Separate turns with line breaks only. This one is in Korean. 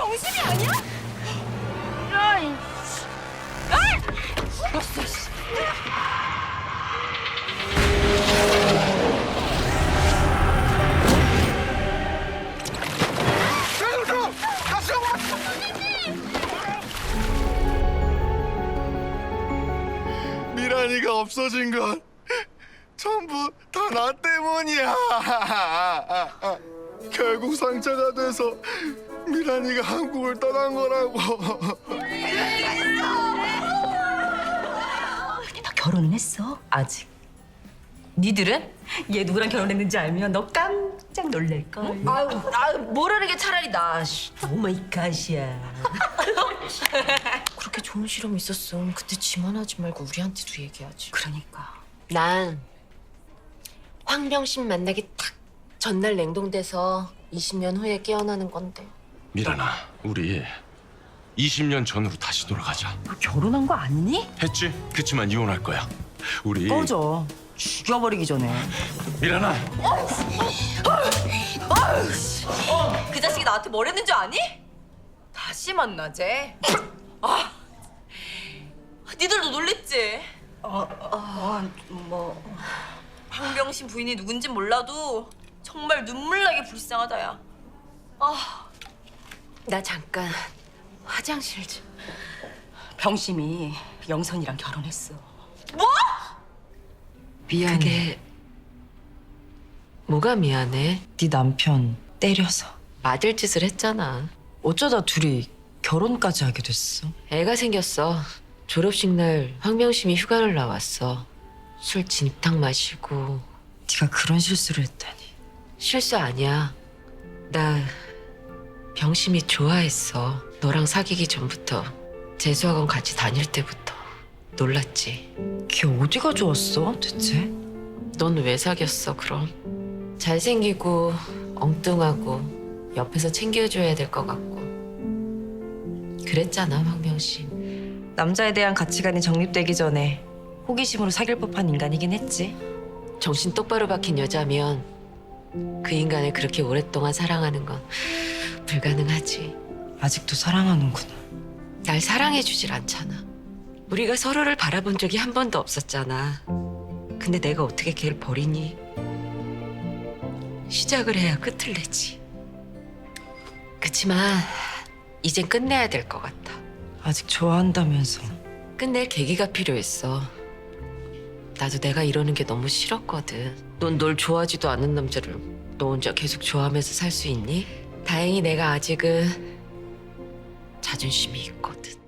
병신이 아니야? 야이. 죽었어. 씨.
미란이가 없어진 건 전부 다 나 때문이야. 결국 상처가 돼서 미란이가 한국을 떠난 거라고.
너 결혼은 했어? 아직. 니들은? 얘 누구랑 결혼했는지 알면 너 깜짝 놀랄걸.
아유, 모르는 게 차라리 나.
오마이갓이야.
그렇게 좋은 실험 있었음. 그때 지만 하지 말고 우리한테도 얘기하지.
그러니까.
난 황병신 만나기 딱 전날 냉동돼서 20년 후에 깨어나는 건데.
미란아, 우리 20년 전으로 다시 돌아가자.
너 결혼한 거 아니니?
했지? 그치만 이혼할 거야. 우리
꺼져. 죽여버리기 전에.
미란아,
그 자식이 나한테 뭘 했는 줄 아니? 다시 만나재. 아, 니들도 놀랬지?
뭐.
황병신 부인이 누군진 몰라도 정말 눈물나게 불쌍하다, 야. 아, 나 잠깐 화장실 좀.
병심이 영선이랑 결혼했어.
뭐?
미안해.
그게 뭐가 미안해?
네 남편 때려서.
맞을 짓을 했잖아.
어쩌다 둘이 결혼까지 하게 됐어.
애가 생겼어. 졸업식 날 황병심이 휴가를 나왔어. 술 진탕 마시고.
네가 그런 실수를 했다니.
실수 아니야. 나 병심이 좋아했어. 너랑 사귀기 전부터. 재수학원 같이 다닐 때부터. 놀랐지.
걔 어디가 좋았어 대체?
넌 왜 사귀었어 그럼? 잘생기고 엉뚱하고 옆에서 챙겨줘야 될 것 같고. 그랬잖아 황병심.
남자에 대한 가치관이 정립되기 전에 호기심으로 사귈 법한 인간이긴 했지.
정신 똑바로 박힌 여자면 그 인간을 그렇게 오랫동안 사랑하는 건 불가능하지.
아직도 사랑하는구나.
날 사랑해주질 않잖아. 우리가 서로를 바라본 적이 한 번도 없었잖아. 근데 내가 어떻게 걔를 버리니? 시작을 해야 끝을 내지. 그치만 이젠 끝내야 될 것 같아.
아직 좋아한다면서.
끝낼 계기가 필요했어. 나도 내가 이러는 게 너무 싫었거든. 넌 널 좋아하지도 않는 남자를 너 혼자 계속 좋아하면서 살 수 있니? 다행히 내가 아직은 자존심이 있거든.